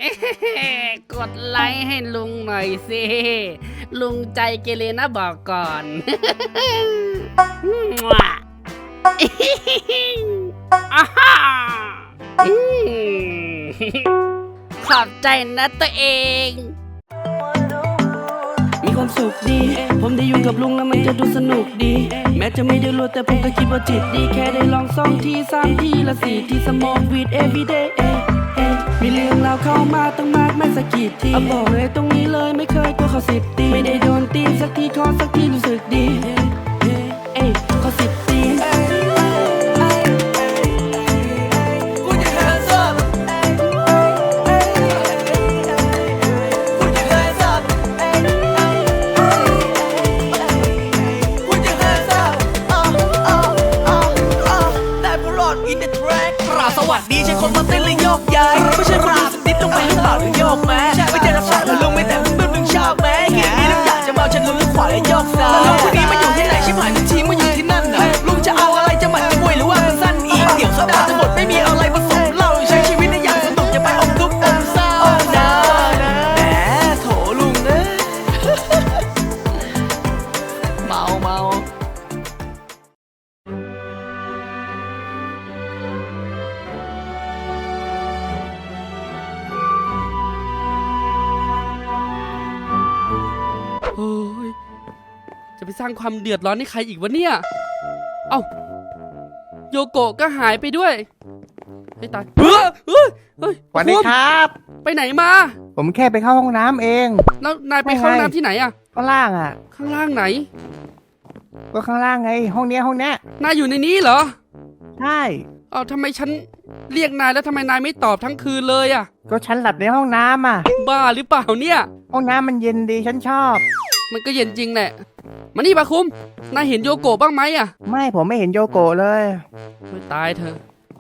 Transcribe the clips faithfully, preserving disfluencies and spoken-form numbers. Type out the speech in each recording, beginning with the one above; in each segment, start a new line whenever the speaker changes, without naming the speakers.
กดไลค์ให้ลุงหน่อยสิลุงใจเกเรนะบอกก่อนขอบใจนะตัวเองมีความสุขดีผมได้อยู่กับลุงแล้วมันจะดูสนุกดีแม้จะไม่ได้รวยแต่ผมก็คิดว่าจิตดีแค่ได้ลองสองทีสามทีละสี่ทีสมองวีด everyday มีเรื่องราวเข้ามาตั้งมากไม่สักกี่ทีเอาบอกเลยตรงนี้เลยไม่เคยกลัวเขาสิบตีไม่ได้โดนตีสักทีขอสักทีรู้สึกดีเอ้ยขอสิบตี
สวัสดีใช่คนมาเต้นและโยกย้ายไม่ใช่คนดูสักนิดลงไปหรือเปล่าหรือโยกแม้ไม่ใช่รับสารแล้วลุงไม่แต่มึงมึงชอบแม้เกียร์นี้ลุงอยากจะเมาฉันลุงขวาและโยกซ้ายแล้วลุงคนนี้มาอยู่ที่ไหนชิบหายทุกทีมาอยู่ที่นั่นน่ะลุงจะเอาอะไรจะหมัดจะมวยหรือว่ามันสั้นอีกเดี๋ยวโซดาจะหมดไม่มีอะไรผสมเหล้าใช้ชีวิตในอย่างสนุกอย่าไปอมทุกข์อมเศร้านะแหมโถลุงเอ้ยเมาเมา
โอ้ยจะไปสร้างความเดือดร้อนให้ใครอีกวะเนี่ยเอ้าโยโกะก็หายไปด้วยไม่ตายเฮ้ยเฮ้ยเฮ้ย
สวัสดีครับ
ไปไหนมา
ผมแค่ไปเข้าห้องน้ำเอง
แล้วนายไปเข้าห้องน้ำที่ไหนอะ
ข้างล่างอ่ะ
ข้างล่างไหน
ก็ข้างล่างไง ห้องเนี้ยห้องเนี้ย
นายอยู่ในนี้เหรอ
ใช่
เอาทำไมฉันเรียกนายแล้วทำไมนายไม่ตอบทั้งคืนเลยอะ
ก็ฉันหลับในห้องน้ำอ่ะ
บ้าหรือเปล่าเนี่ย
ห้องน้ำมันเย็นดีฉันชอบ
มันก็เย็นจริงแหละมานี่ปะคุมนายเห็นโยโกะบ้างไหมอะ
ไม่ผมไม่เห็นโยโกะเลย
ไม่ตายเธอ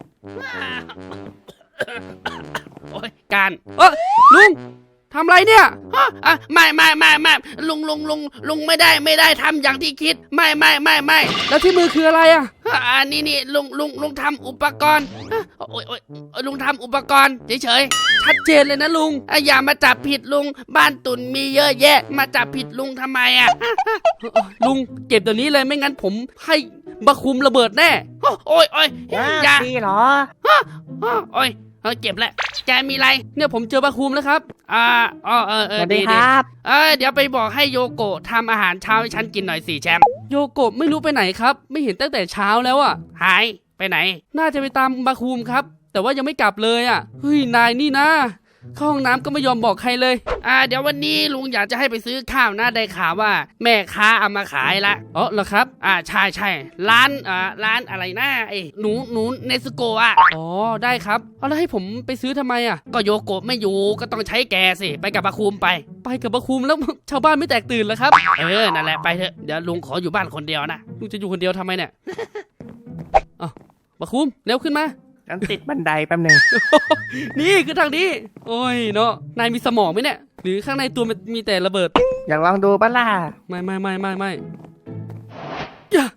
โอ้ยการเออลุงทำไรเนี่ยอ่ะไม่ไม่ไม่ไม่ลุงลุงลุงลุงไม่ได้ไม่ได้ทำอย่างที่คิดไม่ไม่ไม่ไม่แล้วที่มือคืออะไรอ่ะอ่านี่นี่ลุงลุงลุงทำอุปกรณ์โอ้ยโอ้ยลุงทำอุปกรณ์เฉยๆชัดเจนเลยนะลุงอย่ามาจับผิดลุงบ้านตุ่นมีเยอะแยะมาจับผิดลุงทำไมอ่ะลุงเก็บเดี๋ยวนี้เลยไม่งั้นผมให้บะคุมระเบิดแน่โอ้ยโอ้ยอย่า
ดีเหรอ
โอ้ยเออเก็บแล้วแกมีอะไรเนี่ยผมเจอบะคุมแล้วครับอ่าอ๋อเออเอ
ส
อ
วัส
ดี
ดี
ดี
ครับ
เออเดี๋ยวไปบอกให้โยโกะทำอาหารเช้าให้ฉันกินหน่อยสิแชมป์โยโกะไม่รู้ไปไหนครับ ไม่เห็นตั้งแต่เช้าแล้วอ่ะหายไปไหนน่าจะไปตามบะคุมครับแต่ว่ายังไม่กลับเลยอ่ะเฮ้ยนายนี่นะเข้าห้องน้ำก็ไม่ยอมบอกใครเลยอ่าเดี๋ยววันนี้ลุงอยากจะให้ไปซื้อข้าวนะได้ข่าวว่าแม่ค้าเอามาขายละอ๋อเหรอครับอ่าใช่ใช่ร้านอ่าร้านอะไรนะไอ้หนูหนูเนสโกะอ่ะอ๋อได้ครับเอาแล้วให้ผมไปซื้อทำไมอ่ะก็โยโกะไม่อยู่ก็ต้องใช้แกสิไปกับบะคุมไปไปกับบะคุมแล้วชาวบ้านไม่แตกตื่นเหรอครับเออนั่นแหละไปเถอะเดี๋ยวลุงขออยู่บ้านคนเดียวนะลุงจะอยู่คนเดียวทำไมเนี่ยอ๋อบะคุมเร็วขึ้นมา
ฉันติดบันไดแป๊บนึง
นี่คือทางนี้โอ้ยเนาะนายมีสมองไหมเนี่ยหรือข้างในตัวมันมีแต่ระเบิด
อยากลองดูปะล่ะ
ไม่ไม่ไม่ไม่ไม่อย่า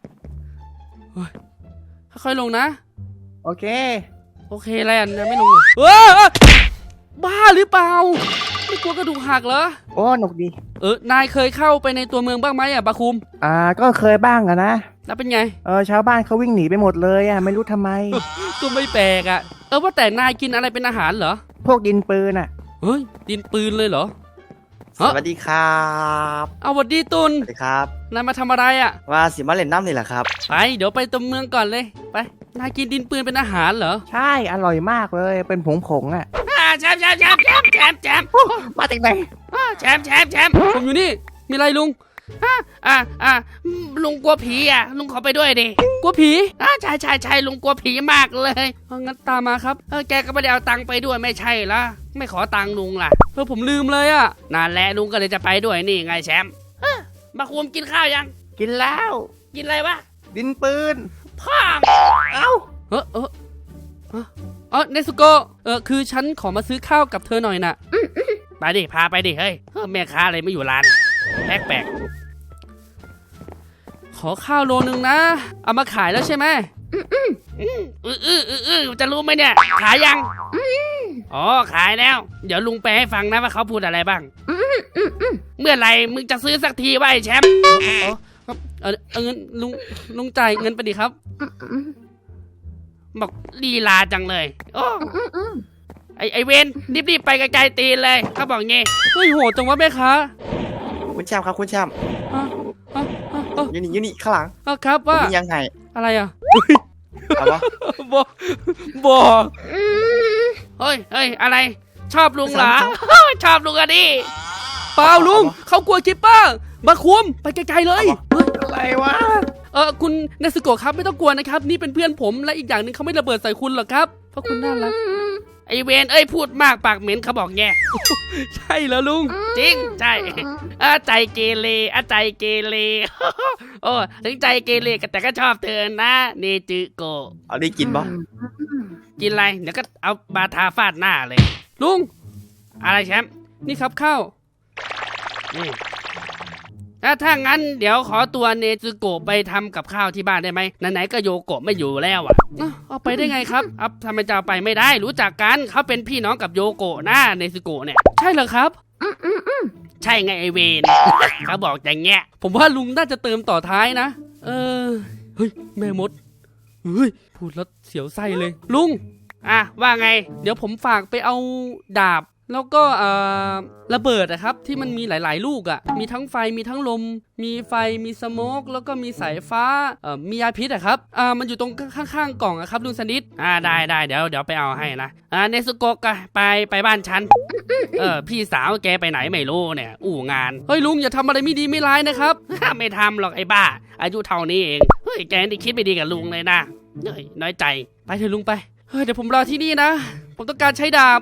ค่อยๆลงนะ
โอเค
โอเคแลนนะไม่ลงเออบ้าหรือเปล่าไม่กลัวกระดูกหักเหรอ
โอ้หนุกดี
เออนายเคยเข้าไปในตัวเมืองบ้างไหมอ่ะบาคุม
อ่าก็เคยบ้างอะนะ
แล้วเป็นไง
เออชาวบ้านเขาวิ่งหนีไปหมดเลยอะไม่รู้ทำไม
ก็ไม่แปลกอ่ะเออว่าแต่นายกินอะไรเป็นอาหารเหรอ
พวกดินปืนอะ
เฮ้ยดินปืนเลยเหรอ
สวัสดีครับ
เอาสวัสดีตุล
สวัสดีครับ
นายมาทำอะไรอ่ะ
ว่าสิมาเล่นน้ำนี่แหละครับ
ไปเดี๋ยวไปตัวเมืองก่อนเลยไปนายกินดินปืนเป็นอาหารเหรอ
ใช่อร่อยมากเลยเป็นผงผงอะ
แชมป์แชมป์แชมป์แชมป์แชมป์แชมป์
มาจากไหน
แชมป์แชมป์แชมป์ผมอยู่นี่มีอะไรลุงอ่าอ่าอ่าลุงกลัวผีอ่ะลุงขอไปด้วยดิกลัวผีอ่าใช่ใช่ใช่ลุงกลัวผีมากเลยงั้นตามมาครับเออแกก็ไม่ได้เอาตังค์ไปด้วยไม่ใช่ละไม่ขอตังค์ลุงล่ะเออผมลืมเลยอ่ะนั่นแหละลุงก็เลยจะไปด้วยนี่ไงแชมป์มาคุมกินข้าวยัง
กินแล้ว
กินอะไรวะ
ดินปืน
พ่อเอ้าเออเออเออเนสุโกะเออคือฉันขอมาซื้อข้าวกับเธอหน่อยน่ะไปดิพาไปดิเฮ้ยแม่ค้าอะไรไม่อยู่ร้านแปลกๆขอข้าวโลนึงนะเอามาขายแล้วใช่ไหมอืออืออืออือจะรู้ไหมเนี่ยขายยังอ๋อขายแล้ว เดี๋ยวลุงไปให้ฟังนะว่าเขาพูดอะไรบ้างเมื่อไหร่มึงจะซื้อสักทีวะไอ้แชมป์อ๋อเออเอาเงินลุงลุงจ่ายเงินไปดิครับบอกลีลาจังเลยโอ้ไอไอเวนรีบๆไปไกลๆตีนเลยเขาบอกงี้เฮ้ยโหดจังวะแม่ค้า
คุณแชมป์ครับคุณแชมป์
อ่ะอ่ะอ่ะอ่ะ
อยูนี่อยูนี่ข้างหลัง
อ่ะครับ
ผม
ว่า
มียังไง
อะไรอ่ะ
เอาวะ
บอบอเฮ้ยเฮ้ยอะไร ชอบลุงเหรอ ชอบลุงอะดิเปล่าลุงเขากลัวคิปเปอร์มาคุมไปไกลๆเลยเฮ้ย
อะไรวะ
เออคุณเนสโกะครับไม่ต้องกลัวนะครับ นี่เป็นเพื่อนผมและอีกอย่างหนึ่งเขาไม่ระเบิดใส่คุณหรอกครับเพราะคุณน่ารักไอเวนเอ้ยพูดมากปากเหม็นเขาบอกแง่ ใช่แล้วลุงจริงใช่อาใจเกเรอาใจเกเร โอ้ถึงใจเกเรแต่ก็ชอบเธอนะเนจิโกะ
เอาได้กินปะ
กินอะไรเดี๋ยวก็เอาบาทาฟาดหน้าเลยลุงอะไรแชมป์นี่ครับข้าวนี่ถ้าถ้างั้นเดี๋ยวขอตัวเนซึโกะไปทำกับข้าวที่บ้านได้ไหมไหนๆก็โยโกะไม่อยู่แล้วอ่ะเอ้าเอาไปได้ไงครับเอาทำไมจะเอาไปไม่ได้รู้จักกันเขาเป็นพี่น้องกับโยโกะนะเนซึโกะเนี่ยใช่เหรอครับใช่ไงไอเวน เขาบอกอย่างเงี้ยผมว่าลุงน่าจะเติมต่อท้ายนะเออเฮ้ยแม่มดเฮ้ยพูดแล้วเสียวไส้เลยลุงอ่ะว่าไงเดี๋ยวผมฝากไปเอาดาบแล้วก็เอ่อระเบิดนะครับที่มันมีหลายๆลูกอะ่ะมีทั้งไฟมีทั้งลมมีไฟมีสโมกแล้วก็มีสายฟ้าเอ่อมียาพิษอะครับอ่ามันอยู่ตรงข้างๆกล่องอะครับลุงสนิทอ่าได้ได้เดี๋ยวเดี๋ยวไปเอาให้นะอ่าเนซุโกะก็ไปไปบ้านฉัน เออพี่สาวแกไปไหนไม่รู้เนี่ยอู่งานเฮ้ยลุงอย่าทำอะไรไม่ดีไม่ร้ายนะครับ ไม่ทำหรอกไอ้บ้าอายุเท่านี้เองเฮ้ยแกนี่คิดไม่ดีกับลุงเลยนะเฮ้ยน้อยใจไปเถอะลุงไปเฮ้ยเดี๋ยวผมรอที่นี่นะผมต้องการใช้ดาบ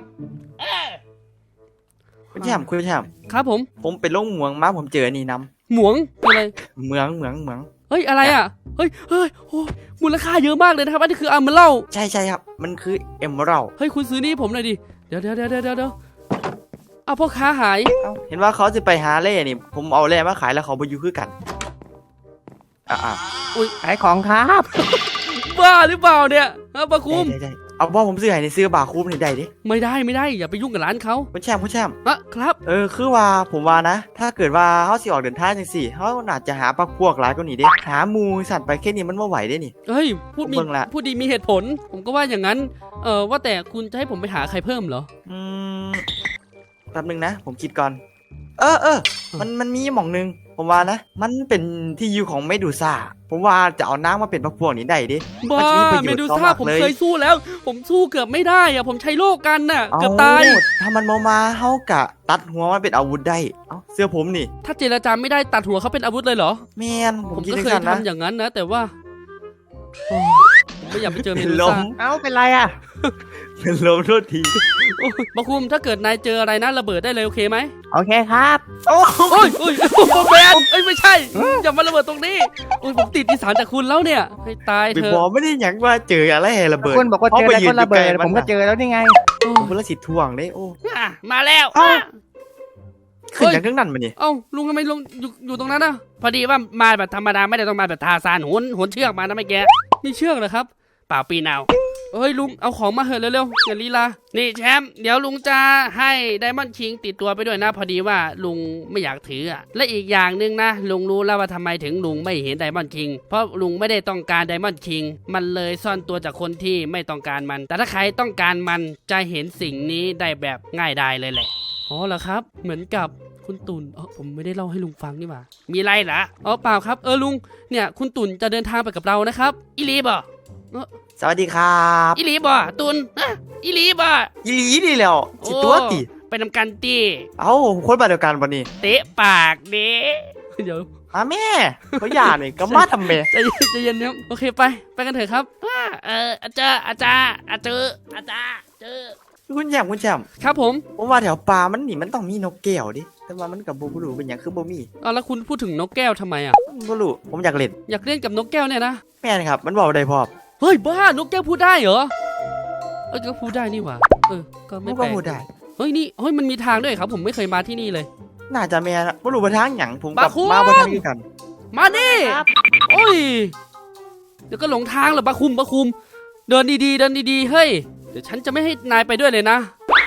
คุณแชมป์คุณแชมป์
ครับผม
ผมไปลงเหมืองมาผมเจออันนี่น้
หมวงอะไร
ำเหมืองเหมืองเหมือง
เฮ้ยอะไรอ่ะเฮ้ยเฮ้ยโอ้ยมูลค่าเยอะมากเลยนะครับอันนี้คืออัมเบล
ใช่ใช่ครับ มันคือเอมเมอรัลด์
เฮ้ยคุณซื้อนี่ผมหน่อยดิเดี๋ยวเดี๋ยวเดี๋ยวเดี๋ยวเดี๋ยวเอาพ่อค้าหาย
เห็นว่าเขาจะไปหาเล่นี่ ผมเอาแร่มาขายแล้วเขาไปอยู่คือกันอ่า
ขายของครับ
บ้าหรือเปล่าเนี่ยฮะปะคุ
ได้
ม
ได้ได้เอาว่าผมซื้อให้ในซื้อบาคูมนี่ได้ดิ
ไม่ได้ไม่ได้อย่าไปยุ่งกับร้านเขา
คุณแชมป์คุณแชมป์
อะครับ
เออคือว่าผมว่านะ ถ้าเกิดว่าเขาสิออกเดินทางจังสี่เขาน่าจะหาปักพวกหลายกว่านี้เด้หาหมูสัตว์ไปแค่นี้มันไม่ไหวเด้นี่
เฮ้ยพูดมี
เบิ่งละ
พูดดีมีเหตุผล ผมก็ว่าอย่างนั้นเออว่าแต่คุณจะให้ผมไปหาใครเพิ่มเหรอ
อืมแป๊บนึงนะ ผมคิดก่อน เออเออมันมันมีหม่องหนึง ผมว่านะ มันเป็นที่อยู่ของเมดูซ่าผมว่าจะเอาน้ำมาเป็นปักพวกนี้ได้ดิ
บ้า
มันจะมีประโย
เม
ชน์
ดู
ต่อ
ซ่าม
าก
ผม
เลย
เคยสู้แล้ว ผมสู้เกือบไม่ได้อะผมใช้โล่กันน่ะ
เอ้า
เกือบตาย
ถ้ามันมามาเฮากะตัดหัวมันเป็นอาวุธได้ เอ้าเสื้อผมนี่
ถ้าเจรจาไม่ได้ตัดหัวเขาเป็นอาวุธเลยเหรอ
แมนผ
ผม ม
คิด
ก็
ถึง
เคย
กันนะ
ทำอย่างนั้นนะ แต่ว่าโอ้ผมไม่อยากไปเจอเม
เป็น
ดู
ล
ซ่าม
เอ้าเป็นไรอ่ะ
เป็นลมโทษที
โอ้ยบาคุมถ้าเกิดนายเจออะไรนะระเบิดได้เลยโอเคไหม
โอเคครับ
โอ้
โอ้ยโอ้ยโอ้ยแมนเอ้ยไม่ใช่อย่ามาระเบิดตรงนี้โอ้ยผมติดอีสานจากคุณแล้วเนี่ยให้ตาย
ไป
เถ
บอ
อะ
กไม่ได้หยังว่าเจออะไรให้ระเบิด
คุณบอกว่าเจออะไรก็ระเบิดผมก็เจอแล้วนี่ไง
โอ้
ผมเพิ่งละสิท่วงเลยโอ้
อ่ะมาแล้ว
เอ้า
อ่ะ
ขึ้นอย่างทั้งนั้นมานี่
เอ้าลุงทำไมลงอยู่อยู่ตรงนั้นน่ะพอดีว่ามาแบบธรรมดาไม่ได้ต้องมาแบบทาซานโหนโหนเชือกมานะไม่แกมีเชือกเหรอครับเปล่าปีนเอาเฮ้ยลุงเอาของมาเหอะเร็วๆอย่าลีลานี่แชมป์เดี๋ยวลุงจะให้ไดมอนด์คิงติดตัวไปด้วยนะ พอดีว่าลุงไม่อยากถืออ่ะและอีกอย่างหนึ่งนะลุงรู้แล้วว่าทำไมถึงลุงไม่เห็นไดมอนด์คิงเพราะลุงไม่ได้ต้องการไดมอนด์คิงมันเลยซ่อนตัวจากคนที่ไม่ต้องการมัน แต่ถ้าใครต้องการมันจะเห็นสิ่งนี้ได้แบบง่ายดายเลยแหละอ๋อเหรอครับเหมือนกับคุณตุ่นเออผมไม่ได้เล่าให้ลุงฟังนี่หว่ามีไรเหรออ๋อเปล่าครับเออลุงเนี่ยคุณตุ่นจะเดินทางไปกับเรานะครับอีลีบอ
สวัสดีครับ
อีลีบอตุนอะอีลีบอ
อีหลีนี่แหล้วสิตัวติ
ไปนำกันตี
เอ้าคนบ้านเดียวกันวันนี้
เตะปากเด้เดี๋ยว
อาแม่เขาหย่านี่ก็มาทำแม่
ใจเย็นใจเย็นเนี่ยโอเคไปไปกันเถอะครับอ่าเอออาจารย์อาจารย์อาจารย์อาจารย์เจอ
คุณแชมป์คุณแชมป์
ครับผม
ผมว่าแถวป่ามันนี่มันต้องมีนกแก้วดิแต่ว่ามันกับบ่รู้เป็นหยังคือบ่มี
เอาแล้วคุณพูดถึงนกแก้วทำไมอ่ะ
บ่รู้ผมอยากเล่น
อยากเล่นกับนกแก้วเนี่ยนะ
แม่นครับ มันบอกได้พร้อม
เฮ้ยบ้านกแก้วพูดได้เหรอเออก็พูดได้นี่หว่าเออก็
มั
ไม่
น
แป
ก็
ลก
พูดได้
เฮ้ยนี่เฮ้ยมันมีทางด้วยครับผมไม่เคยมาที่นี่เลย
น่าจะแม่นบ่รู้ว่าทางหยังผมกับ
บาคุม
มาบ่ทันคือกัน
มาดิโอ้ยเดี๋ยวก็หลงทางเหรอบาคุมบาคุม เดินดีๆเดินดีๆเฮ้ยเดี๋ยวฉันจะไม่ให้นายไปด้วยเลยนะ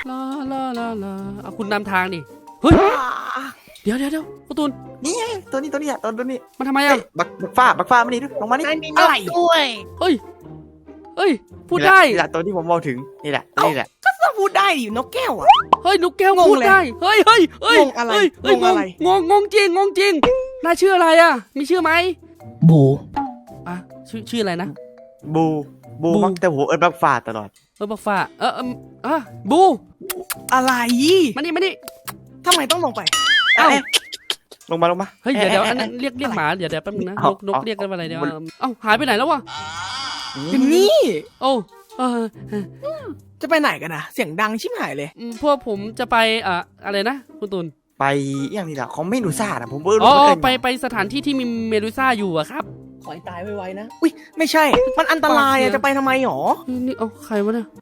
ลาลาเอาคุณนำทางดิเฮ้ยเดี๋ยวเดี๋ยวเดี๋ยวการ์ตูน
นี่ไงตัวนี้ตัวนี้อ่ะตัวตัวนี้
มันทำไม
เฮ้
อ่ะ
ยบักบักฟ้าบักฟ้ามานี่ดูลงมานี่
นายมีนกด้วย
เฮ้ยเฮ้ยพูดได้
นี่แหละตัวที่ผมบอกถึงนี่แหละนี่แหละ
ก็ต้องพูดได้ดินกแก้วอ่ะ
เฮ้ยนกแก้ว
งง
พูด
เลย
ได้เฮ้ยเฮ้ยเฮ้ย
งงอะไร
เฮ้ยเฮ้ย
งงอะไร
งงงงจริงงงจริงนายชื่ออะไรอ่ะมีชื่อไหม
บู
อ่ะชื่อชื่ออะไรนะ
บูบู
บู
มักแต่หัวเอิญบักฟ้าตลอด
เออบักฟ้าเออเอออ่ะบู
อะไร
มานี่มานี่
ทำไมต้องลงไป
เอ้า
เอ๊ะลงมาลงมา
เฮ้ยเดี๋ยวเดี๋ยว
อ๊ะ
อันนั้นเรียกเรียก
อะไร
หมาเดี๋ยวเดี๋ยวแป๊บนึงนะน
เอา
กนก
เอา
เรียกกันว่าอะไรเดี๋ยว
มัน
เอ้าหายไปไหนแล้ววะ
อยู่นี่
โอ้เออ
จะไปไหนกันนะเสียงดังชิบหายเลย
อืมพวกผมจะไปอ่ะอะไรนะคุณตุล
ไปอย่างนี้แหละของเมนูซ่านะผมเพิ่ง
อ๋อ
รู้เหมือนกัน
ไปไปสถานที่ที่มีเมดูซ่าอยู่อะครับ
ขอให้ตายไวๆนะ อุ้ยไม่ใช่ มันอันตราย
ปากเสี
อะ
ย
จะไปทำไมหรอ
นี่นี่เอาใครวะเนี่ย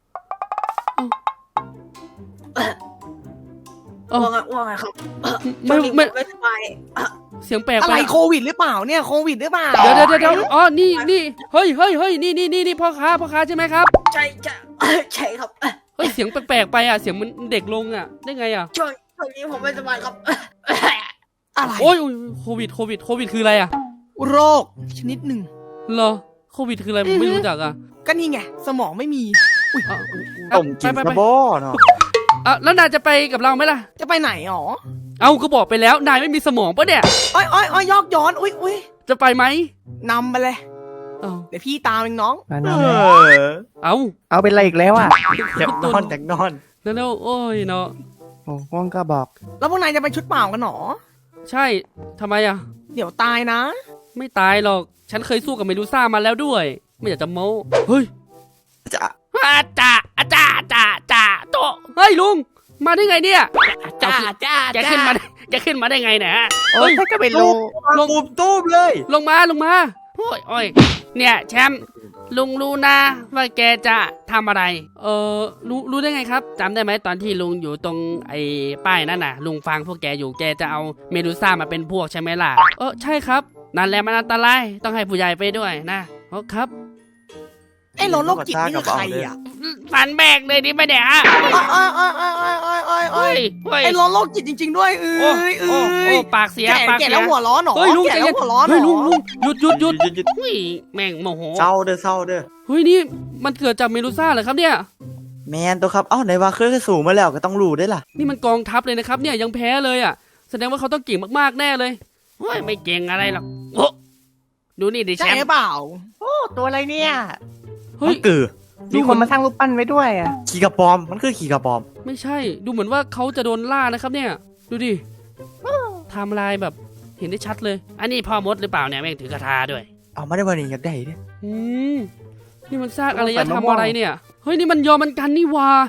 เอา
ว่าไงว่าไงครับ
ไม่
ช่วงนี้
ไม่
ผไม่สบาย
เสียงแปลก
อะ
ไป
ไรโควิดหรือเปล่าเนี่ยโควิดหรือเปล่า
เดี๋ยวเดี๋ยวเดี๋ยวเดี๋ยวอ๋อนี่นี่เฮ้ยเฮ้ยเฮ้ยนี่นี่นี่นี่พ่อค้าพ่อค้าใช่ไหมครับ
ใช่ใช่ใช่ครับ
เฮ้ยเสียงแปลกๆไปอ่ะเสียงมันเด็กลงอ่ะได้ไงอ่ะ
ช่วงช่วงนี้ผมไม่สบายครับ
อะไร
โอ้ยโอ้ยโควิดโควิดโควิดคืออะไรอ่ะ
โรคชนิดหนึ่ง
เหรอโควิดคืออะไรผมไม่รู้จักอ่ะ
ก็นี่ไงสมองไม่มี
อ่ะ
ต้มกิน
ไป
ก
ไประ ไป
บอเนาะ
อ่ะแล้วนายจะไปกับเราไหมล่ะ
จะไปไหนหรอ
เอาก็บอกไปแล้วนายไม่มีสมองปะเนี่ย
อ้อยอ้อยอ้อยยอกย้อนอุ้ยอุ้ย
จะไปไหม
นำไปเลย
เอา
เดี๋ยวพี่ตามเองน้อง
มา
เอ
นะ
อ
เอา
เอาเป็นอะไรอีกแล้วอ่ะ
อยากนอนอยากนอน
แล้วแล้วโอ้ยเนาะ
โอ้ว่องก็บอก
แล้วพวกนายจะไปชุดเปล่ากันหรอ
ใช่ทำไมอ่ะ
เดี๋ยวตายนะ
ไม่ตายหรอก ฉันเคยสู้กับเมดูซ่ามาแล้วด้วย ไม่อยากจะโม้ เฮ้ย
จะ
อาจ่าอาจ่าจ่าจ่าโตะเฮ้ยลุง มาได้ไงเนี่ย
จ้าจ้า
จะขึ้นมาได้จะขึ้นมาได้ไงเนี่ยฮะ
โอ้
เฮ้
ย
ย
ถ้าก็ไม่รู้
ลง
ตูมตูมเลย
ลงมาลงมาโอ้ยโอ้ยเนี่ยแชมป์ลุงรู้นะว่าแกจะทำอะไร เออรู้รู้ได้ไงครับจำได้ไหมตอนที่ลุงอยู่ตรงไอ้ป้ายนั่นน่ะ ลุงฟังพวกแกอยู่แกจะเอาเมดูซ่ามาเป็นพวกใช่ไหมล่ะ เออใช่ครับ นั่นแหละมันอันตรายต้องให้ผู้ใหญ่ไปด้วยนะอ๋อครับ
ไอ้รถโรคจิตนี่คือใครอ่ะ
ฟันแบกเลยดิไม่ได้ฮะ
อ้อยอ้อยอ้อยอ้อยอ้อยอ้อยอ้
เฮ้
อย
ยเฮ้ย
ไอ้รถโรคจิตจริง ๆ ด้วยเอ้
โอ้
ยเอ้
โอ้โอ้
ย
ปากเสีย
แก่
ปาก
แก่
เสีย
แล้วหัวร้อนหรอ
เฮ้ยลุง
แก่
ใจ
แล้
เย็
วน หัวร้อนหร
เฮ้ยลุง
อ
ลุงหยุดหยุดหยุด
หยุดหยุด
เฮ้ยแม่งโมโห
เศร้าเด้อเศร้าเด้อ
เฮ้ยนี่มันเกิดจากเมดูซ่าเหรอครับเนี่ย
แมนตัวครับเอ้าไหนว่าเคยสูงมาแล้วก็ต้องรู้ได้ล่ะ
นี่มันกองทัพเลยนะครับเนี่ยยังแพ้เลยอ่ะแสดงว่าเขาต้องเก่งมากๆแน่เลยโอ้ยไม่เก่งอะไรหรอกโอ้ดูนี่ดิแช
ใช่
ม
หรือ
ป์
เปล่า
โอ้ตัวอะไรเนี่ย
เฮ้ย
มันกือ
มีคนมาสร้างรูปปั้นไว้ด้วยอ่ะ
ขี่กระปอมมันคือขี่กระปอม
ไม่ใช่ ดูเหมือนว่าเขาจะโดนล่านะครับเนี่ย ดูดิไทม์ไลน์แบบเห็นได้ชัดเลย อันนี้พ่อมดหรือเปล่าเนี่ยแม่งถือกระทาด้วย
เอามาได้วันนี้อยากได้เด้
อืมนี่มันซากอารยธรรมอะไรเนี่ยเฮ้ยนี่มันยอมมันกันนี่หว่า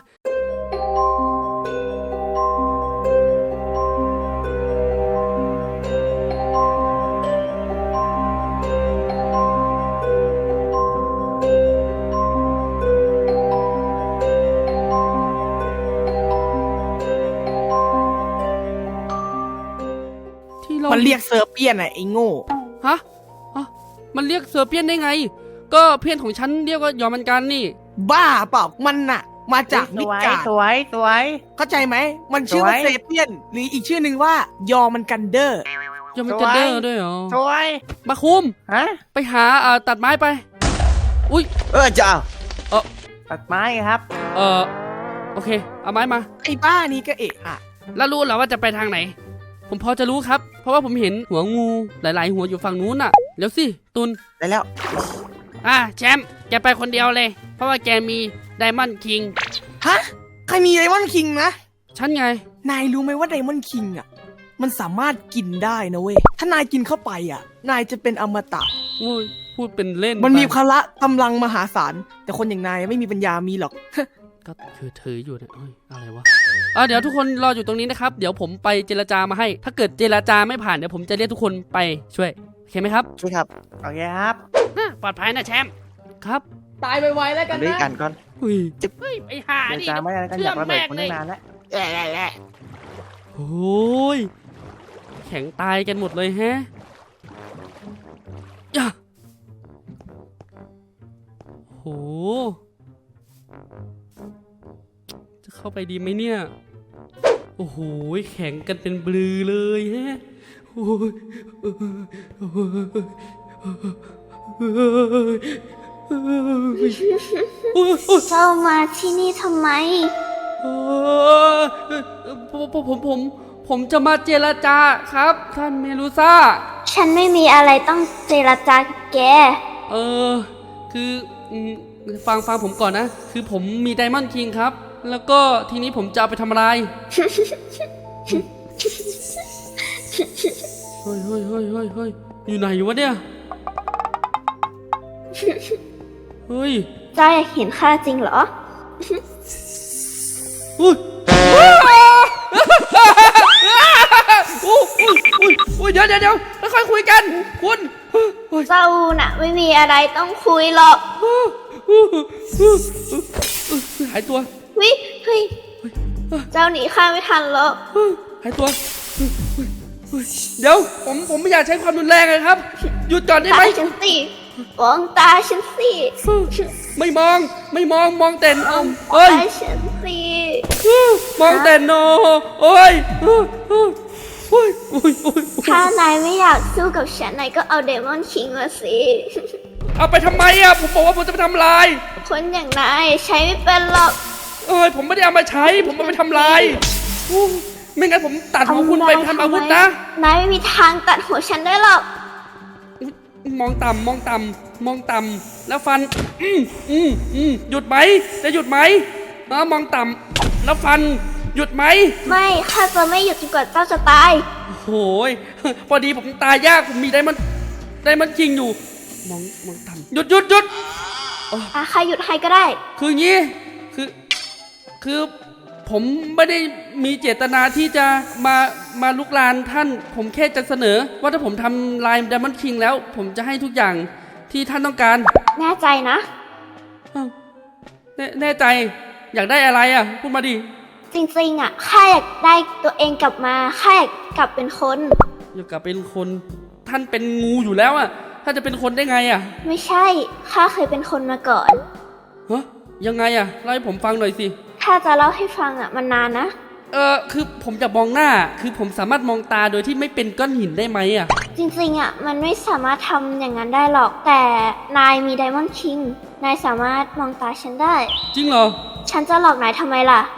ที่เรา
มันเรียกเซอร์เปียนอะไอ้โง่
ฮะอ่ะมันเรียกเสือเปี้ยนได้ไง ก็เพื่อนของฉันเรียกว่ายอมมันกันนี่
บ้าเปล่ามันน่ะ มาจาก
ส
มิด
วย
การ์ด
สวยสวย
เข้าใจไหม มันชื่อว่า
สวย
เซเปียน หรืออีกชื่อหนึ่งว่ายอมันกันเดอร์
ยอมมันกันเดอร์ด้วยเหรอ
สวย
มาคุม
ฮะ
ไปหาอ่าตัดไม้ไป อุ้ย
เออจะเอา
ตัดไม้ครับ
เออโอเค เอาไม้มา
ไอ้บ้านี่ก็เอะอะ
แล้วรู้เหรอว่าจะไปทางไหน ผมพอจะรู้ครับ เพราะว่าผมเห็นหัวงูหลาย ๆ หัวอยู่ฝั่งนู้นน่ะเดี๋ยวสิตุน
ได้แล้ว
อ่ะแชมป์แกไปคนเดียวเลย เพราะว่าแกมีไดมอนด์คิง
ฮะ ใครมีไดมอนด์คิงนะ
ฉันไง
นายรู้ไหมว่าไดมอนด์คิงอ่ะ มันสามารถกินได้นะเว้ย ถ้านายกินเข้าไปอ่ะ นายจะเป็นอมตะ
โอ้ยพูดเป็นเล่น
มันมี
ไป
พละกำลังมหาศาล แต่คนอย่างนายไม่มีปัญญามีหรอก
ก็คือถืออยู่เนี่ยเฮ้ยอะไรวะอ่ะเดี๋ยวทุกคนรออยู่ตรงนี้นะครับ เดี๋ยวผมไปเจรจามาให้ ถ้าเกิดเจรจาไม่ผ่านเดี๋ยวผมจะเรียกทุกคนไปช่วยโอเคไหมครับ
ช่วยครับ
โอเคครับ
อ่ะปลอดภัยนะแชมป์ครับ
ตายไวๆแล้วกัน
ด้วย
นะ
กันก่อน
อุ้ยเฮ้ยไอ้ห่า
เดี๋ยว
นี่
จาไม่ได้กันอยากระเบิดคนตั้งนานแล้ว
โอ้ยแข็งตายกันหมดเลยแฮะย่าโหจะเข้าไปดีไหมเนี่ยโอ้โหแข็งกันเป็นบลือเลยฮะโอ้ยโอ้ยโอ้ยโอ้ยโอ้ย
เจ้ามาที่นี่ทำไม
เออผมผมผมผมผมจะมาเจรจาครับท่านเมลูซ่า
ฉันไม่มีอะไรต้องเจรจากับแก
เออคืออืมฟังฟังผมก่อนนะ คือผมมีไดมอนด์คิงครับ แล้วก็ทีนี้ผมจะเอาไปทำอะไรเฮ้ยเฮ้ยเฮ้ยเฮ้ยเฮ้ยอยู่ไหนวะเนี่ยเฮ้ย
เจ้าอยากเห็นข้าจริงเหรอ
อุ้ยอุ้ยอุ้ยอุ้ยอุ้ยเดี๋ยวเดี๋ยวเดี๋ยวค่อยๆคุยกันคุณเฮ้ย
เจ้าน่ะ ไม่มีอะไรต้องคุยหรอก
หายตัว
วิเฮ้ยเจ้าหนีข้าไม่ทันหรอก
หายตัว เดี๋ยวผมผมไม่อยากใช้ความรุนแรงเลยครับ หยุดก่อนได้ไหม
ตาฉันสิมองตาฉันสิ
ไม่มองไม่มองมองแต่นอมเอ้ย
ตาฉันสิ
มองแต่นโนโอ้ยโอ้ยโอ้ยโอ้ยโอ้ยโอ้ย
ถ้านายไม่อยากสู้กับฉันนายก็เอาเดมอนคิงมาสิ
เอาไปทำไมอ่ะผมบอกว่าผมจะไปทำลาย
คนอย่างนายใช้ไม่เป็นหรอก
เอ้ยผมไม่ได้เอามาใช้ ผมเอาไปทำลายอู้ไม่งั้นผมตัดหัวคุณไปทำอาวุธนะ
นายไม่มีทางตัดหัวฉันได้หรอก
มองต่ำมองต่ำมองต่ำแล้วฟัน อืมอืมอืมหยุดไหมจะหยุดไหมเออมองต่ำแล้วฟันหยุดไหม
ไม่ข้าจะไม่หยุดจนกว่าเจ้าจะตาย
โอ้ยพอดีผมตายยากผมมีได้มันได้มันจริงอยู่ มองมองต่ำหยุดหยุดหยุด
อาข้าหยุดให้ก็ได้
คืออย่างนี้คือคือผมไม่ได้มีเจตนาที่จะมามาลุกลานท่าน ผมแค่จะเสนอ ว่าถ้าผมทำลายไดมอนด์คิงแล้ว ผมจะให้ทุกอย่างที่ท่านต้องการ
แน่ใจนะ
อ้าวแน่แน่ใจอยากได้อะไรอ่ะพูดมาดิ
จริงๆอ่ะข้าอยากได้ตัวเองกลับมาข้าอยากกลับเป็นคน
อยากกลับเป็นคนท่านเป็นงูอยู่แล้วอ่ะท่านจะเป็นคนได้ไงอ่ะ
ไม่ใช่ข้าเคยเป็นคนมาก่อน
ฮะยังไงอ่ะเล่าให้ผมฟังหน่อยสิ
ข้าจะเล่าให้ฟังอ่ะมันนานนะ
เออคือผมจะมองหน้าคือผมสามารถมองตาโดยที่ไม่เป็นก้อนหินได้ไหมอ่ะ
จริงๆอ่ะมันไม่สามารถทำอย่างนั้นได้หรอก แต่นายมีไดมอนด์คิงนายสามารถมองตาฉันได้
จริงเหรอ
ฉันจะหลอกนายทำไมล่ะ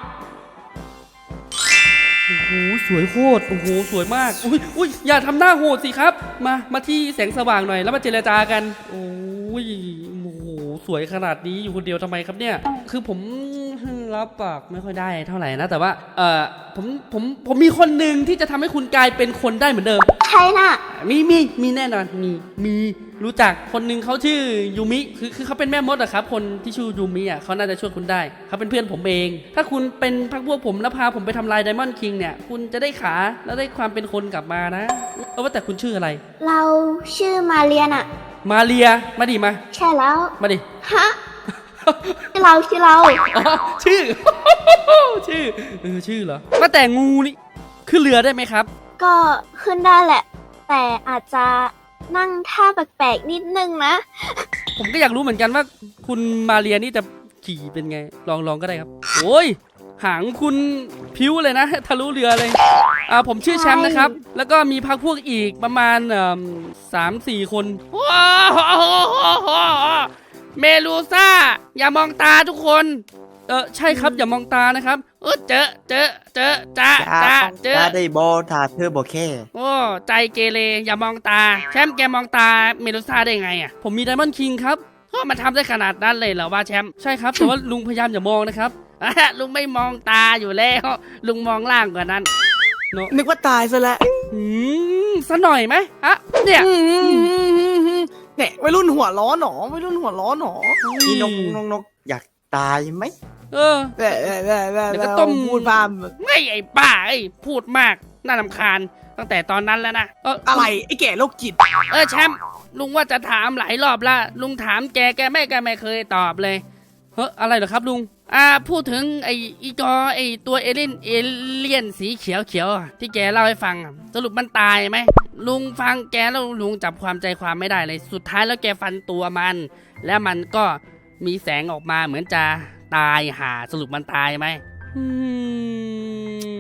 โอ้โหสวยโคตรโอ้โหสวยมากอุ้ยอุ้ยอย่าทำหน้าโหดสิครับ มามาที่แสงสว่างหน่อยแล้วมาเจรจากันโอ้ยโอ้โหสวยขนาดนี้อยู่คนเดียวทำไมครับเนี่ย คือผมรับปากไม่ค่อยได้เท่าไหร่นะแต่ว่าเออผมผมผมมีคนหนึ่งที่จะทำให้คุณกลายเป็นคนได้เหมือนเดิม
ใครน่ะ
มีมีมีแน่นอนมีมีรู้จักคนหนึ่งเขาชื่อยูมิคือคือเขาเป็นแม่มดอะครับคนที่ชื่อยูมิอะเขาน่าจะช่วยคุณได้เขาเป็นเพื่อนผมเอง ถ้าคุณเป็นพักพวกผมแล้วพาผมไปทำลายไดมอนด์คิงเนี่ยคุณจะได้ขาแล้วได้ความเป็นคนกลับมานะเออว่าแต่คุณชื่ออะไร
เราชื่อมาเรียนอ่ะ
มาเรียมาดิมา
ใช่แล้ว
มาดิ
ฮะ ชื่อเราชื่อเรา
อ๋อชื่อ ชื่อเออชื่อเหรอว่าแต่งูนี่ขึ้นเรือได้ไหมครับ
ก็ขึ้นได้แหละ แต่อาจจะนั่งท่าแปลกๆนิดนึงนะ
ผมก็อยากรู้เหมือนกันว่าคุณมาเรียนี่จะขี่เป็นไงลองลองก็ได้ครับโอ้ยหางคุณพิ้วเลยนะทะลุเรือเลยอ่าผมชื่อแชมป์นะครับ แล้วก็มีพักพวกอีกประมาณสามสี่คนว้าวเมลูซ่าอย่ามองตาทุกคนเออใช่ครับอย่ามองตานะครับเออเจอเจอเจอจ้าจ้าเจอ
จะได้บอถ้าเธอบอกแค่
โอ้ใจเกเรอย่ามองตาแชมป์แกมองตาเมลูซ่าได้ไงอ่ะผมมีไดมอนด์คิงครับก็มาทำได้ขนาดนั้นเลยเหรอว่าแชมป์ใช่ครับแต่ว่าลุงพยายามอย่ามองนะครับ ลุงไม่มองตาอยู่แล้วลุงมองล่างกว่านั้นเนอะ
นึกว่าตายซะแล้ว
อืมซะหน่อยไหมฮะเนี่ย
เนี่ยวัยรุ่นหัวร้อนหนอวัยรุ่นหัวร้อนหนอ
พี่นกนกนกอยากตายไหม
เออ
แหละแหละแหละแหละ
เดี๋ยวก็ต้ม
พูดพาม
ไม่ไอ้ป้าไอ้พูดมากน่ารำคาญตั้งแต่ตอนนั้นแล้วนะเออ
อะไรไอ้แก่โรคจิต
เออแชมป์ลุงว่าจะถามหลายรอบละลุงถามแกแกไม่แกไม่เคยตอบเลยเฮ้ยอะไรเหรอครับลุงอ่าพูดถึงไอ้อีจอไอ้ตัวเอเลี่ยนเอเลี่ยนสีเขียวเขียวๆอะที่แกเล่าให้ฟังอะสรุปมันตายไหมลุงฟังแกแล้วลุงจับความใจความไม่ได้เลยสุดท้ายแล้วแกฟันตัวมัน แล้วมันก็มีแสงออกมาเหมือนจะตายหาสรุปมันตายไหมอืมผ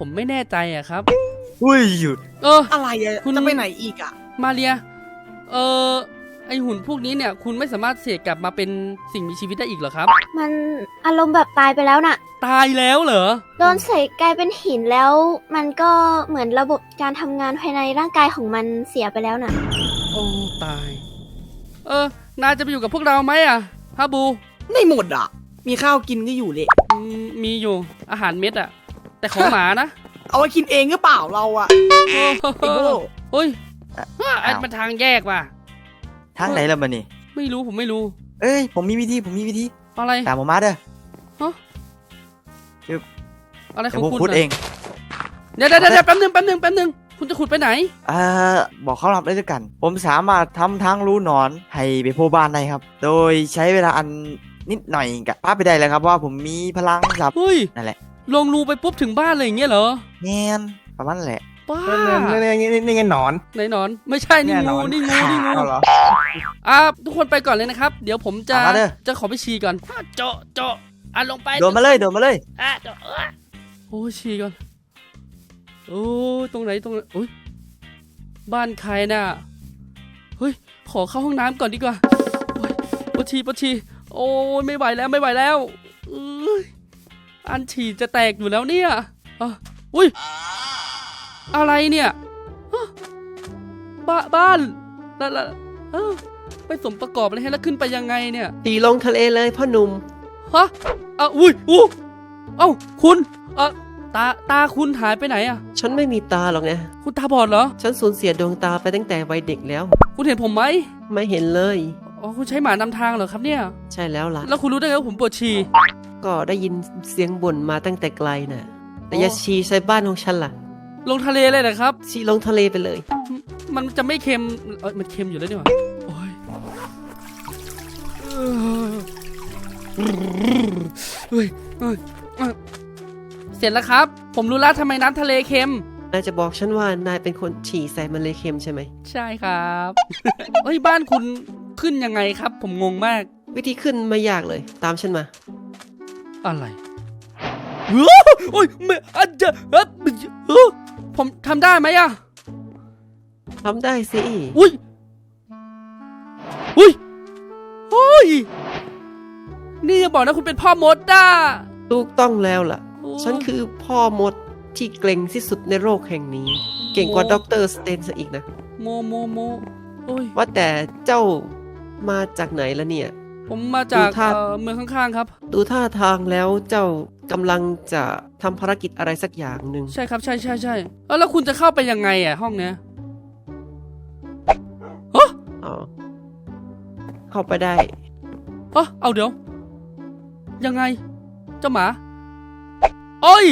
ผมไม่แน่ใจอะครับ
อุ้ยหยุด
เออ
อะไรอะ
คุณ
จะไปไหนอีกอะ
มาเรีย เออไอหุ่นพวกนี้เนี่ยคุณไม่สามารถเสกกลับมาเป็นสิ่งมีชีวิตได้อีกเหรอครับ
มันอารมณ์แบบตายไปแล้วน่ะ
ตายแล้วเหรอ
โดนใส่กลายเป็นหินแล้ว มันก็เหมือนระบบการทำงานภายในร่างกายของมันเสียไปแล้วน่ะ
โอ้ตาย เออ นายจะไปอยู่กับพวกเราไหมอะฮะบู
ไม่หมดอะมีข้าวกินก็อยู่เลย
อืมมีอยู่อาหารเม็ดอะแต่ของหมานะ
เอาไว้กินเองก็เปล่าเราอะ
โอ้
ไอ้โง่
เฮ้ย
อ่ะ
ว่าไอ้มันทางแยกว่ะ
ทางไหนล่ะมันนี่
ไม่รู้ผมไม่รู้
เอ้ยผมมีวิธีผมมีวิธี
อะไร
ตามผมมาเด้อ
อะไรข
เดี๋ย
อ
ว
ง
ผม
คุณ
ขุด
น่ะ
เอง
เดี๋ยวเดี๋ยวเดี๋ยวแป๊บนึงแป๊บนึงแป๊บนึงคุณจะขุดไปไหน
เอ่อบอกเขารับได้ด้วยกัน ผมสามารถทำทางรูหนอนให้ไปโพบ้านได้ครับ โดยใช้เวลาอันนิดหน่อยกับป้าไปได้เลยครับว่าผมมีพลังครับ
เฮ้ย
นั่นแหละ
ลงรูไปปุ๊บถึงบ้านเลยอย่างเงี้ยเหรอ
แงนประมาณนั้นแหละ
ป้า
นี่นี่นี่นี่ไงหนอน
ไหนหนอน ไม่ใช่นี่
เยห
งูนี่งูนี่งู
เอาเหรอ
อ่ะทุกคนไปก่อนเลยนะครับ เดี๋ยวผมจะ
เอามาเด้อ
จะขอไปฉี่ก่อนอ่ะโจะโจะอ่ะลงไป
โดนมาเลยโดนมาเลย
อ่ะโจะเอ้ยโอ้ยฉี่ก่อนโอ้ยตรงไหนตรงไหนโอ้ยบ้านใครน่ะเฮ้ยขอเข้าห้องน้ำก่อนดีกว่าโอ้ยปวดฉี่ปวดฉี่โอ้ยไม่ไหวแล้วไม่ไหวแล้วเอ้ยอันฉี่จะแตกอยู่แล้วเนี่ยอ่ะอุ้ยอะไรเนี่ยฮะบ้าบ้านแล้วแล้วเอ้าไปสมประกอบอะไรให้แล้วขึ้นไปยังไงเนี่ย
ตีลงทะเลเลยพ่อหนุ่ม
ฮะอ่ะอุ้ยอู้เอ้าคุณเอ่ะตาตาคุณหายไปไหนอ่ะ
ฉันไม่มีตาหรอกนะ
คุณตาบอดเหรอ
ฉันสูญเสียดวงตาไปตั้งแต่วัยเด็กแล้ว
คุณเห็นผมไหม
ไม่เห็นเลย
อ๋อคุณใช้หมานำทางเหรอครับเนี่ย
ใช่แล้วล่ะ
แล้วคุณรู้ได้ไงว่าผมปวดฉี่
ก็ได้ยินเสียงบ่นมาตั้งแต่ไกลน่ะ แต่
โอ้
อย่าชีใส่บ้านของฉันล่ะ
ลงทะเลเลยนะครับ
ชีลงทะเลไปเลย
มันจะไม่เค็มเอ้ยมันเค็มอยู่แล้วนี่หว่าโอ้ยเฮ้ยเฮ้ยเฮ้ยเสร็จแล้วครับ ผมรู้แล้วทำไมน้ำทะเลเค็ม
นายจะบอกฉันว่านายเป็นคนฉี่ใส่มันเลยเค็มใช่ไหม
ใช่ครับ เฮ้ยบ้านคุณขึ้นยังไงครับ ผมงงมาก
วิธีขึ้นไม่ยากเลย ตามฉันมา
อะไรโอ้ยไม่อาจจะเอ้อผมทำได้ไหมอะ
ทำได้สิ
อุ้ยอุ้ยโอ้ยนี่อย่าบอกนะคุณเป็นพ่อมดด้า
ถูกต้องแล้วล่ะ
โอ้
ฉันคือพ่อมดที่เกรงที่สุดในโลกแห่งนี้ เก่งกว่าด็อกเตอร์สเตนซะอีกนะ
โมโมโมโอ้ย
ว่าแต่เจ้ามาจากไหนละเนี่ย
ผมมาจาก
ดูท่า
เอ่อเมืองข้างๆครับ
ดูท่าทางแล้วเจ้ากำลังจะทำภารกิจอะไรสักอย่างหนึ่ง
ใช่ครับใช่ใช่ใช่เออแล้วคุณจะเข้าไปยังไงอ่ะห้องเนี้ยฮะ
อ๋อเข้าไปได้
ฮะเอาเดี๋ยว ยังไง เจ้าหมาโอ้ย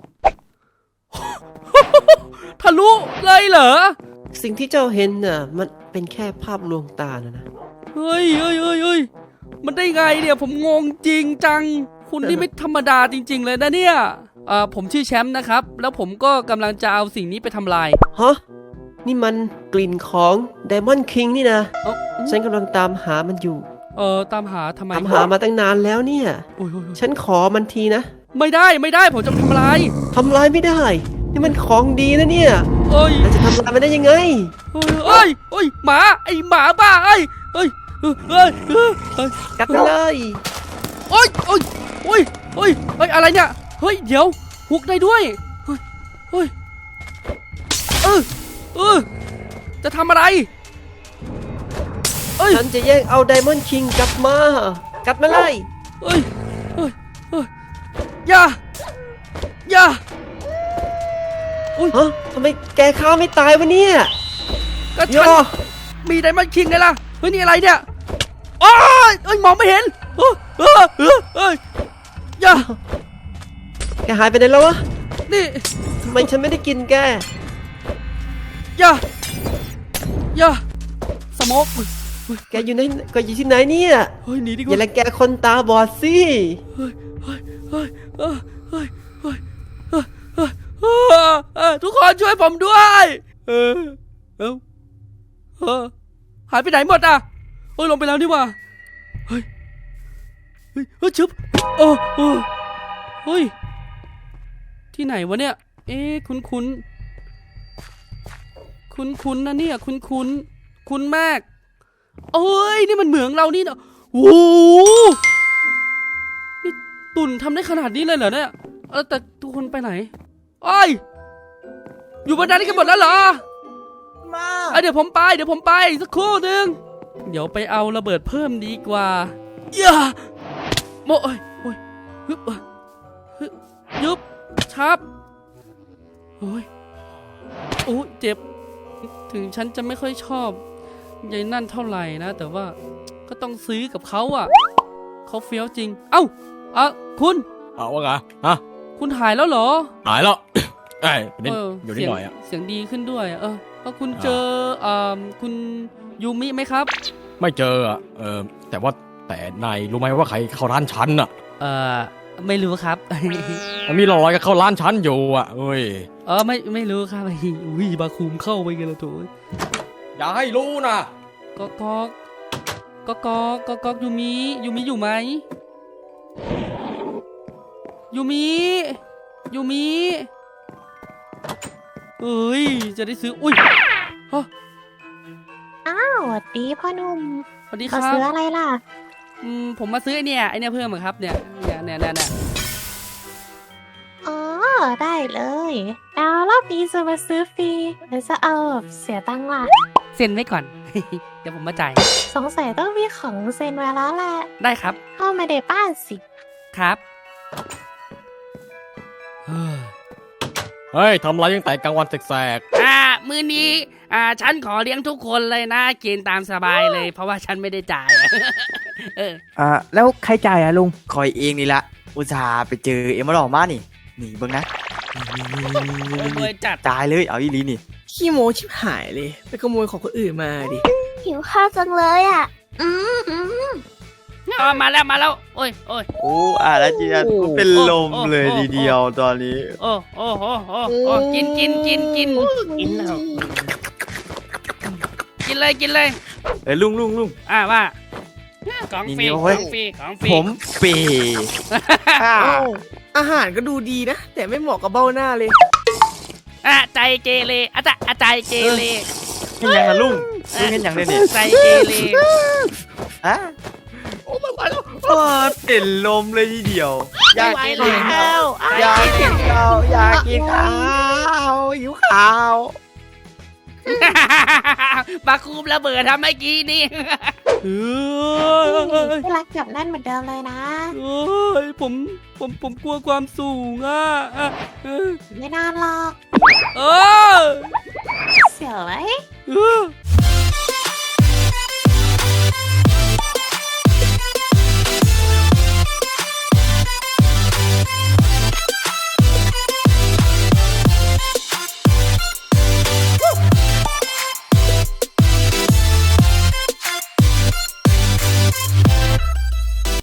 ทะลุเลยเหรอ
สิ่งที่เจ้าเห็นน่ะมันเป็นแค่ภาพลวงตานะนะ
เฮ้ยเฮ้ยเฮ้ยเฮ้ยมันได้ไงเนี่ยผมงงจริงจัง คุณนี่ไม่ธรรมดาจริง ๆ เลยนะเนี่ยเอ่อผมชื่อแชมป์นะครับ แล้วผมก็กำลังจะเอาสิ่งนี้ไปทำลาย
ฮะนี่มันกลิ่นของไดมอนด์คิงนี่นะ
เอ้า
ฉันกำลังตามหามันอยู่
เออตามหาทำไม
ตามหามาตั้งนานแล้วเนี่ย
โอ้ยโอ้ยโอ้ย
ฉันขอมันทีนะ
ไม่ได้ไม่ได้ผมจะทำลาย
ทำลายไม่ได้ นี่มันของดีนะเนี่ย
เอ้ย
เราจะทำลายมันได้ยังไง
เอ้ยเอ้ยเอ้ยหมาไอหมาบ้าไอยเอ้ยเอ้ยเอ้ยเอ้ยเอ้ย
กัดไปเลย
โอ้ยโอ้ยโอ้ยโอ้ยเฮ้ยอะไรเนี่ยเฮ้ยเดี๋ยวฮุกได้ด้วยเฮ้ยเฮ้ยเออเออจะทำอะไรเอ้ย
ฉันจะแย่งเอาไดมอนด์คิงกลับมา กัดมาเลย
เอ้ยเอ้ยเอ้ยอย่าอย่า
ฮะทำไมแกข้าไม่ตายวะเนี่ย
ก็
โย
ฉันมีไดมอนด์คิงไงล่ะเฮ้ยนี่อะไรเนี่ยโอ้ยเอ้ยมองไม่เห็นเออเออเออเอ้ยอย่า
แกหายไปไหนแล้ววะ
นี่
ทำไมฉันไม่ได้กินแก
อย่าอย่าสโมก
แกอยู่ไหนแก็อยู่ที่ไหนเนี่ย
เฮ้ยหนีดีก
อย่า
ว่า
ละแกคนตาบอดสิ
เฮ้ยเฮ้ยเฮ้ยเฮ้ยเฮ้ยเฮ้ยเฮ้ยเฮ้ยเฮ้ยเฮ้ยทุกคนช่วยผมด้วยเออเอ้าเออหายไปไหนหมดอ่ะเฮ้ยลงไปแล้วนี่หว่าเฮ้ยเฮ้ยเฮ้ยชึบโอ้โอ้เฮ้ยที่ไหนวะเนี่ยเอ๊ะคุ้นคุ้นคุ้นคุ้นๆนะเนี่ยคุ้นคุ้นๆคุ้นมากเอ้ยนี่มันเหมืองเรานี่เนาะโอ้โหนี่ตุ่นทำได้ขนาดนี้เลยเหรอเนี่ยเออแต่ทุกคนไปไหนโอ้ยอยู่บนนั้นกันหมดแล้วเหรอ
มา
เอ้ยเดี๋ยวผมไปเดี๋ยวผมไปสักครู่หนึ่งเดี๋ยวไปเอาระเบิดเพิ่มดีกว่าอย่าโมโอ้ยโอ้ยฮึบฮึบยุบชับโอ้ยโอ้ยเจ็บถึงฉันจะไม่ค่อยชอบยายนั่นเท่าไหร่นะแต่ว่าก็ต้องซื้อกับเขาอ่ะเขาเฟี้ยวจริงเอ้าอ่ะคุณ
เอาว่าไงฮะ
คุณหายแล้วเหรอ
หายแล้ว ไอ้ยนิด
เออ
อยู่นิด
เสีง
หน่อยอ่ะ
เสียงดีขึ้นด้วยอะเออเพราะคุณเจออ่าคุณยูมิไหมครับ
ไม่เจออ่ะเออแต่ว่าแต่นายรู้ไหมว่าใครเข้าร้านฉันอ่ะ
เออไม่รู้ครับ
มันมีรอยก็เข้าร้านฉันอยู่อ่ะเอ้ย
เออไม่ไม่รู้ครับ อุ้ยบาคุมเข้าไปกันแล้วโถ่
อย่าให้รู้นะ
ก็ก็ก็ก็ก็ก็ยูมิยูมิอยู่ไหมยูมิยูมิเอ้ยจะได้ซื้ออุ้ยฮะ
อ้าวสวัสดีพ่อหนุ่ม
สวัสดีค
มา
รับ
ซื้ออะไรล่ะ
อืมผมมาซื้อไอเนี่ยไอเนี่ยเพิ่มอะครับเนี่ยเนี่ยเนี่ยเนี่ยเนี่ย
อ๋อ ได้เลยแล้วรอบนี้จะมาซื้อฟรีหรือจะเอาแบบเสียตังค์ล่ะ
เซ็นไว้ก่อน เดี๋ยวผมมาจ่าย
สงสัยต้องมีของเซ็นไว้แล้วแหละ
ได้ครับ
เข้ามาในบ้านสิ
ครับ
เฮ้ยทำไรตั้งแต่กลางวันแสก
อ่ามื้อนี้อ่าฉันขอเลี้ยงทุกคนเลยนะกินตามสบายเลย เพราะว่าฉันไม่ได้จ่าย เออ
อ่าแล้วใครจ่ายอะลุง
คอยเองนี่ละอุตส่าห์ไปเจอเอ็มมาหลอกมานี่นี่เบิ่งนะนี่นี่นี่นี่
โอ้ย
นี่
รวยจัด
ตายเลยเอาอีหลีนี่
ขี้โมชิบหายเลย ไปขโมยของคนอื่นมาดิ
หิวข้าวจังเลยอ่ะ อืมอืม
อ๋อมาแล้วมาแล้วโอ้ยโอ้ย
โอ้อาราจีนเป็นลมเลยทีเดียวตอนนี้
โอ้โอ้โอ้โอ้โอ้กินกินกินกินกินแล้วกินเลยกินเลย
เอ้ยลุงลุงลุง
อ่าว่าของฟรี
นี่
ข
เว้
อย งฟรีของฟรี
ผมเปย์อ่า
อ้าวอาหารก็ดูดีนะ แต่ไม่เหมาะกับเบ้าหน้าเลย
อ่ะใจเกเรอาจารย์อาจารย์เกเร
เห็นยังนะลุงลุงเห็นยังเนี่ยเนี่ย
ใจเกเร
อ่ะโอ้ไม่ไหวแล้วเป็นลมเลยทีเดียว อยากกินข้าวอยากกินข้าวอยากกินข้าวหิวข้าว
บาคูมระเบิดทำเมื่อกี้นี่เฮ้ย
ที่รักจับแน่นเหมือนเดิมเลยนะ
เฮ้ยผมผมผมกลัวความสูงอ่ะอ่ะเออ
ไม่นานหรอก
เออ
เสียวไหม
เออ